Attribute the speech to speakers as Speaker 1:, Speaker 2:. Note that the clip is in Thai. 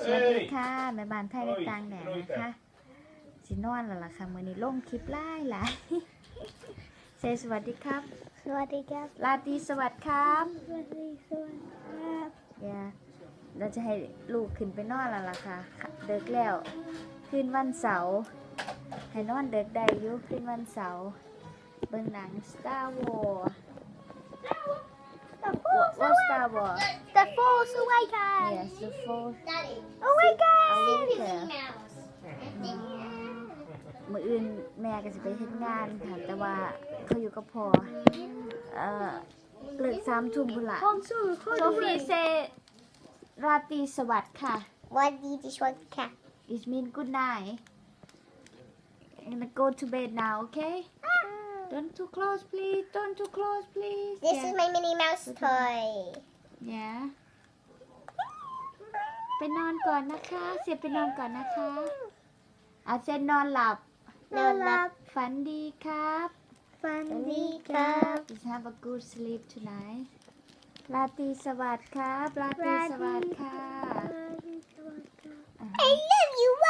Speaker 1: วัสดีค่ะแม่บ้านไทยในต่างแดนนะคะสินอนแล้วล่ะค่ะมื้อนี้ลงคลิปหลายเซสวัสดีครับ
Speaker 2: สวัสดีครับ
Speaker 1: ลาตรีสวัสดีครับ
Speaker 2: สวัสดีครับ
Speaker 1: เราจะให้ลูกขึ้นไปนอนแล้วล่ะค่ะเด็กแล้วคืนวันเสาร์ให้นอนเด็กได้อยู่คืนวันเสาร์เบิ่งหนัง Star Wars What Star Wars
Speaker 2: The Force Awakens
Speaker 1: Yes the Force
Speaker 2: Awakens
Speaker 1: Awakens มื้ออื่นแม่ก็จะไปเฮ็ดงานค่ะแต่ว่าเขาอยู่กับพ่อเลิก3 ทุ่มพุ่นล่ะ
Speaker 2: ห้องสู้
Speaker 1: โซฟีเซราตรีสวัสดิ์ค่ะ
Speaker 2: วันดีที่ชวนค่ะ
Speaker 1: It mean good night I'm gonna go to bed now okay don't too close please don't too close please
Speaker 2: This is my Minnie Mouse toy
Speaker 1: yeah ไปนอนก่อนนะคะเสียไปนอนก่อนนะคะอาเซนนอนหลับ
Speaker 2: นอนหลับ
Speaker 1: ฝันดีครับ
Speaker 2: ฝันดีครับ
Speaker 1: Just have a good sleep tonight ราตรีสวัสดิ์ครับราตรีสวัสดิ์ค่ะ
Speaker 2: I love you